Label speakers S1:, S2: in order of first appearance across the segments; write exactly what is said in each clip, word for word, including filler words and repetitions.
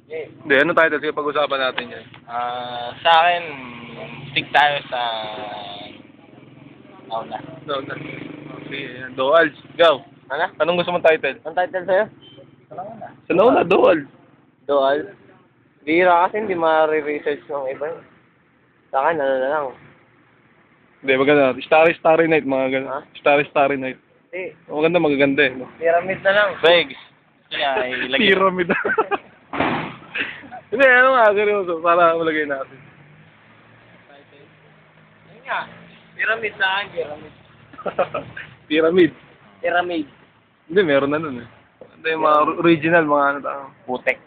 S1: Yeah.
S2: Hindi, ano title? Sige, pag-usapan natin yan.
S1: Ah, sa akin, stick tayo sa nauna.
S2: No, no. Sige, yan. Doal. Go.
S1: Ano?
S2: Anong gusto mong title?
S1: Ang title sa'yo?
S2: Sa nauna, Doal.
S1: Dual. Bihira kasi hindi ma-research ng iba yun. Sa akin, ano na lang.
S2: Hindi, maganda. Starry Starry Night, mga gano'n.
S1: Ha?
S2: Starry Starry Night.
S1: Hindi.
S2: Maganda, magaganda eh. No?
S1: Pyramid na lang. Vegs. Kaya ilagay.
S2: Pyramid. Hindi, ano nga, seryoso. Para malagay natin.
S1: Ayun nga. Pyramid na akin, pyramid.
S2: Pyramid.
S1: Pyramid.
S2: Hindi, meron na nun eh. Hindi, yung mga original, mga ano tao.
S1: Putek.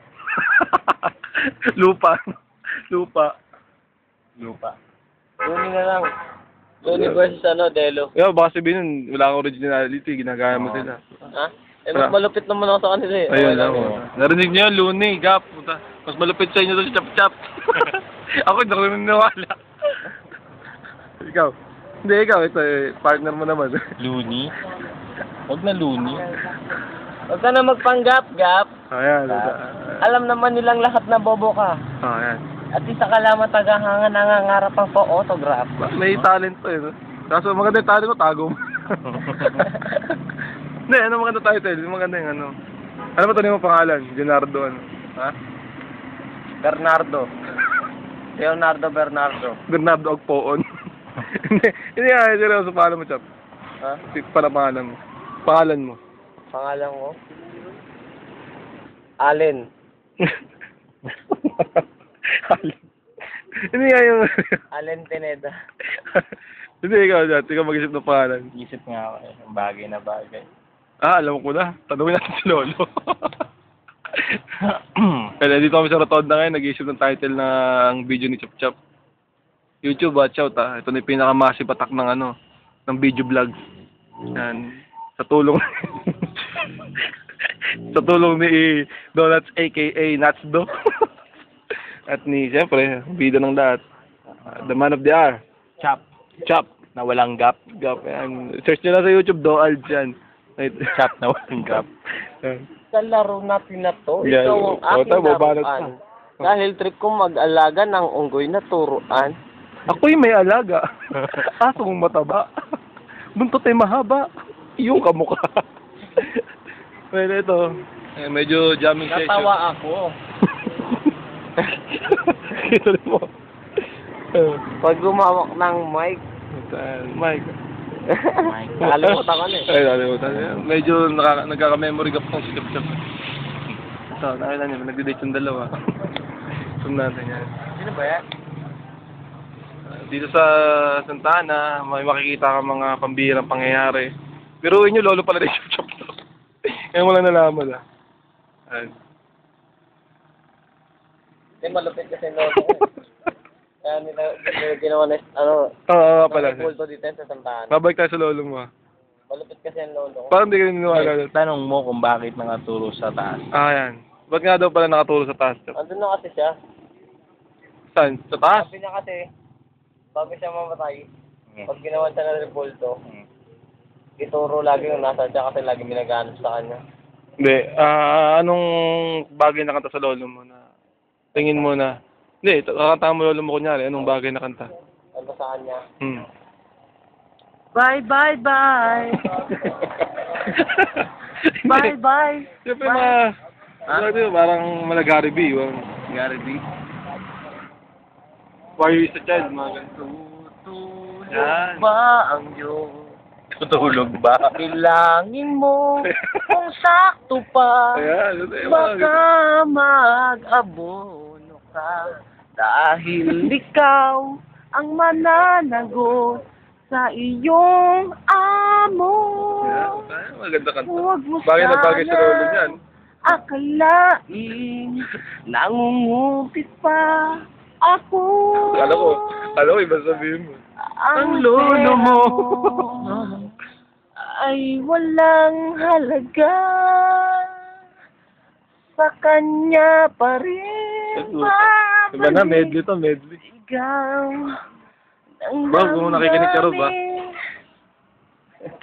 S2: Lupa. Lupa.
S1: Lupa. Luni na lang. Luni versus ano, Delo.
S2: Yeah, baka sabihin nun, wala kang originality, ginagaya mo sila.
S1: Ha? Eh, mas malupit naman ako sa kanila eh.
S2: Ayun
S1: Okay
S2: lang.
S1: yun.
S2: Narinig niyo yun, Looney, Gap. Puta. Mas malupit sa inyo doon si Chap Chap. Ako, hindi ako naniniwala. Ikaw. Hindi, ikaw. Ito, eh, partner mo naman.
S1: Looney? Huwag na Looney. Huwag ka na magpanggap, Gap.
S2: Ayan.
S1: Alam naman nilang lahat na bobo ka.
S2: Ayan.
S1: At isa ka lamang tagahangan nangangarap ang pa-autograph.
S2: May talent to eh. No? Kaso maganda yung talent ko, tago mo. Hindi, ano maganda title? Yung maganda yung ano. Ano ba ito yung pangalan? Leonardo ano? Ha?
S1: Bernardo. Leonardo Bernardo.
S2: Bernardo Agpoon. Hindi, hindi nga, seryoso, pangalan mo, Chap.
S1: Ha?
S2: Para pangalan mo. Pangalan mo.
S1: Pangalan ko? Allen.
S2: Hindi nga yung...
S1: Allen Pineda.
S2: Hindi, ikaw, Jat. Ikaw mag-isip ng pangalan.
S1: Isip nga ako eh. Bagay na bagay.
S2: Ah, alam ko na. Tanungin natin si Lolo. Kaya dito kami sa Rotonda ngayon, nag-iisip ng title ng video ni Chop Chop. YouTube, watch out ah. Ito na yung pinaka-massive attack ng ano, ng video vlog. Yan. Sa tulong... sa tulong ni Donuts aka Natsdo. At ni, siyempre, bida ng lahat. Uh, the man of the hour.
S1: Chop.
S2: Chop.
S1: Na walang gap.
S2: Gap. Yan. Search nyo lang sa YouTube, Doald yan.
S1: Chop na walang gap. Sa laro natin na to,
S2: Yeah.
S1: ikaw ang
S2: O,
S1: aking
S2: tayo, babanat
S1: laruan.
S2: pa.
S1: Dahil trip kong mag-alaga ng unggoy na turuan.
S2: Ako'y may alaga. Aso kong mataba. Buntot ay mahaba. Iyong kamukha. Well, ito. Eh, medyo jamming session.
S1: Natawa ako.
S2: Ito mo.
S1: Pag gumawak ng mic.
S2: Mike.
S1: Nakalimutan ko na eh.
S2: Ay, nakalimutan. Medyo nakaka nagkaka-memory gap ng si Chop Chop. Ito, nakita niyo, nagde-date yung dalawa. Zoom natin yan.
S1: Sino ba yan?
S2: Dito sa Santa Ana, may makikita ka mga pambihirang pangyayari. Pero inyo, lolo pala rin Chop Chop to. Ngayon mo lang nalaman ah. Ayan.
S1: Hindi, malupit kasi lolo ko. Kaya nila, nila ginawa na, ano,
S2: Oo, oo pala.
S1: nakipulto dito sa Santana.
S2: Babalik tayo sa lolo mo ah.
S1: Malupit kasi ang lolo ko.
S2: Parang hindi ka niniwala.
S1: Tanong mo kung bakit nakaturo sa taas.
S2: Ah, yan. Ba't nga daw pala nakatulog sa taas? Chop?
S1: Andun na kasi siya.
S2: Saan? Sa taas?
S1: Sabi niya kasi, bago siya mamatay, pag ginawan siya ng repulto, ituro lagi yung nasa siya kasi lagi minaganap sa kanya.
S2: Hindi. Ah, anong bagay na kanta sa lolo mo na tingin mo na hindi, kakanta mo lolo mo kunyari, anong bagay na kanta?
S1: Ano sa kanya?
S2: Hmm.
S1: Bye, bye, bye! Bye, bye!
S2: Siyempre mga,
S1: Ha?
S2: ano, parang mala Gary B. Yung,
S1: Gary B.
S2: Why you is a child, mga ganito. Yan.
S1: Ba ang iyong
S2: Tutulog ba?
S1: bilangin mo kung sakto pa?
S2: Ayan, ito yung mga
S1: Baka mag-abono ka dahil ikaw ang mananagot sa iyong amo.
S2: Ayan, maganda kanta.
S1: Huwag mo
S2: Bagay na bagay sa lolo
S1: sana
S2: niyan.
S1: akalain nangungupit pa ako.
S2: Kala ko, kala ko iba sabihin mo.
S1: Ang lolo mo ay walang halaga, sa kanya pa rin
S2: Diba na, medley to, medley.
S1: ikaw ng
S2: Bro, kung nakikinig ka, Rob, ah.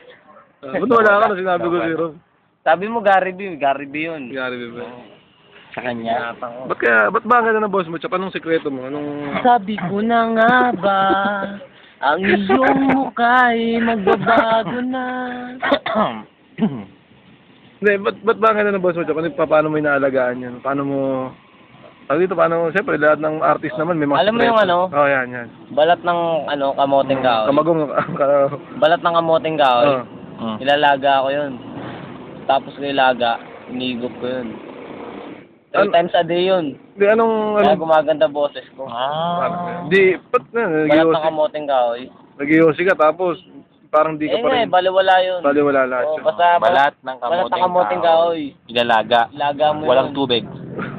S2: Uh, Ba't wala ka na sinabi ko si Rob?
S1: Sabi mo Gary B, Gary B yun.
S2: Gary B ba?
S3: sa kanya.
S2: Ba't kaya, ba't ba ang ganda ng boss mo, Chap? Anong sekreto mo? Anong...
S1: Sabi ko na nga ba, ang iyong mukha'y magbabago na.
S2: Hindi, ba't, ba't ba ang ganda ng boss mo, Chap? Ano, pa- paano mo inaalagaan yan? Paano mo... Ano dito, paano, siyempre, lahat ng artist naman may mga
S1: Alam mo
S2: sekreto.
S1: yung ano?
S2: Oo, oh, yan, yan.
S1: Balat ng ano, kamoting kahoy.
S2: Kamagong,
S1: Balat ng kamoting kahoy.
S2: Oo.
S3: Mm.
S1: Ilalaga ko yun. Tapos ko ilaga, inigop ko yun. Three
S2: Ano?
S1: times a day yun.
S2: Di, anong,
S1: Kaya
S2: anong,
S1: gumaganda boses ko.
S3: Ah.
S2: di, ba't na,
S1: Balat ng
S2: nag-iossi,
S1: kamoting kahoy.
S2: nag-iossi ka, tapos, parang di ka
S1: Eh
S2: pa
S1: nga eh,
S2: rin,
S1: baliwala yun.
S2: baliwala lahat
S1: Oo,
S2: yun.
S1: basta
S3: Balat ng
S1: balat ng
S3: kamoting,
S1: kamoting kahoy.
S3: Ilalaga.
S1: Ilaga mo
S3: Walang
S1: yun.
S3: tubig.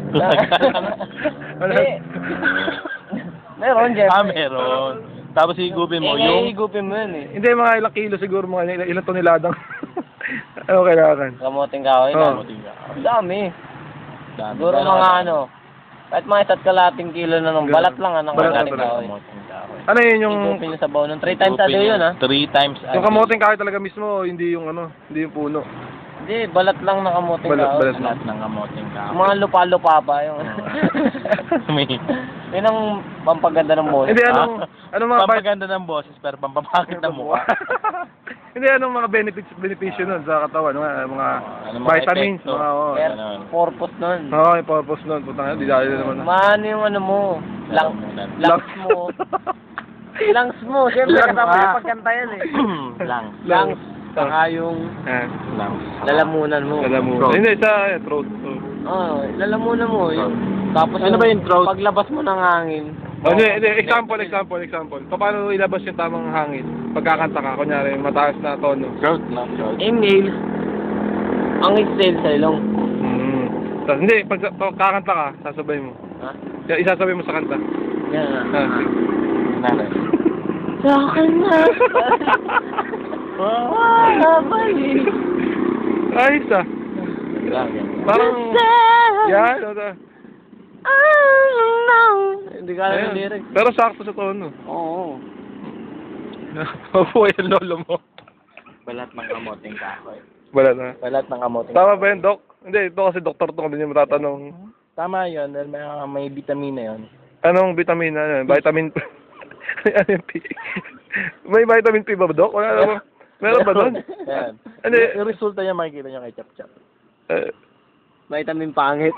S1: Hindi. Meron, Jeff.
S3: Ah, meron. Tapos higupin mo
S1: Eh,
S3: yung...
S1: higupin mo yun eh.
S2: Hindi, mga ilang kilo siguro, mga ilang, ilang toneladang. Ano kailangan?
S1: Kamoting kahoy
S2: Oo.
S1: na.
S3: Kamoting kahoy.
S1: Ang dami.
S3: Dami.
S1: Siguro mga ano, kahit mga isa't kalating kilo na nung balat lang ah, ng
S2: Balat
S1: kamoting
S2: lang,
S1: kahoy.
S3: Kamoting kahoy.
S2: Ano yun yung,
S1: Higupin nyo sa baon nun. Three times a day yun ah.
S3: Three times a
S2: yung
S3: day.
S2: kamoting kahoy talaga mismo, hindi yung ano, hindi yung puno.
S1: Hindi, balat lang ng kamoting
S2: Balat,
S1: kahoy.
S2: balat.
S3: Balat ng kamoting kahoy.
S1: Mga lupa-lupa pa yung...
S3: May...
S1: Yun ang pampaganda ng boses.
S2: Hindi, anong, anong mga,
S3: Pampaganda ng boses pero pampapakit ng mukha.
S2: hindi, anong mga benefits, benepisyo nun sa katawan, mga, mga
S3: Ano, mga
S2: vitamins,
S3: epekto?
S2: mga, oo.
S1: Kaya
S3: Ganon.
S1: purpose nun.
S2: Oo, yung purpose nun, putang ina, di dahil naman.
S1: Maano yung ano mo, lang,
S3: Lalamunan.
S1: lungs mo. Lungs mo, siyempre
S3: Lungs.
S1: kasama yung pagkanta yan eh.
S3: Lang.
S1: Lungs, saka yung
S2: Ah,
S3: Lang.
S1: lalamunan mo.
S2: alam mo.
S3: Throat.
S2: Hindi, sa eh, throat. throat.
S1: Oo, lalamunan mo. Yung, tapos
S3: Ano ba yung throat?
S1: Paglabas mo ng hangin.
S2: Oh, hindi, hindi, example, example, example. Paano ilabas yung tamang hangin? Pagkakanta ka, kunyari, mataas na tono.
S3: Throat na. Throat.
S1: Inhale. Ang exhale sa ilong.
S2: Mm. Tapos, hindi, pag pag kakanta ka, sasabay mo.
S1: Ha?
S2: Ya- Isasabay mo sa kanta.
S1: Yan na.
S2: Ah, sige.
S3: Nanay.
S1: Sa akin na. Wala balik.
S2: Ayos ah.
S3: Lang.
S2: Parang, yan, ano,
S1: Hindi ka alam yung
S2: ayun.
S1: lyrics.
S2: Pero sakto sa tono.
S1: Oo.
S2: Mabuhay ang lolo mo.
S3: Balat ng kamoting kahoy.
S2: Wala na.
S3: Balat ng kamoting
S2: Tama ba yun, Doc? Hindi, ito kasi doktor to, hindi niya matatanong.
S3: Tama yun, dahil may, may vitamina yun.
S2: Anong vitamina? Ano? Vitamin P. Ano yung P? May vitamin P ba, Doc? Wala naman. Meron ba doon?
S3: Yan.
S2: Ano
S3: Yung,
S2: y-
S3: yung resulta niya makikita niyo kay Chap Chap.
S2: Eh,
S1: Vitamin pangit.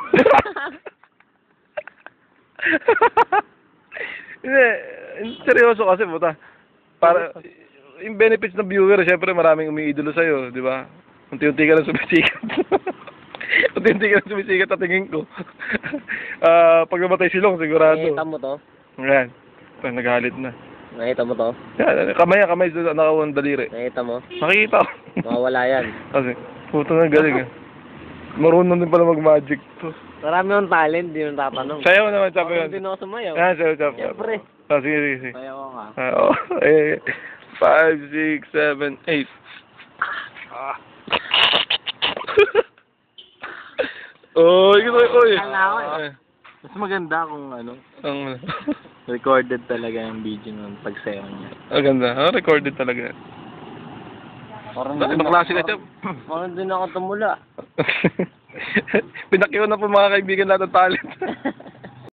S2: Hindi, seryoso kasi, puta. Para, yung benefits ng viewer, syempre maraming umiidolo sa'yo, di ba? Unti-unti ka lang sumisikat. Unti-unti ka lang sumisikat at tingin ko. Ah, pag namatay silong, sigurado.
S1: Nakita mo to?
S2: Yan. Ay, naghalit na.
S1: Nakita mo to?
S2: Yan, kamay, kamay sa nakawang daliri.
S1: Nakita mo?
S2: Nakikita ko.
S1: Mawawala yan.
S2: Kasi, puta na galing ah. Marunong din pala mag-magic to.
S1: Marami yung talent, di mo tatanong.
S2: Sayaw naman, Chap,
S1: Ako
S2: yun.
S1: din ako sumayaw.
S2: Yan, sayaw, Chap.
S1: Siyempre.
S2: Ah, sige, sige, sige.
S3: Kaya ko nga.
S2: Ah, oh, eh, five, six, seven, eight. Ah. Oh, ito, oy.
S1: Kala ko eh.
S2: Eh,
S3: Mas maganda kung ano,
S2: Ang,
S3: recorded talaga yung video nun pagsayaw niya.
S2: ang ganda. Ah, recorded talaga.
S1: Parang
S2: Ibang klase ka, Chap.
S1: Parang din ako tumula.
S2: Pinakiwan na po mga kaibigan lahat ng talent.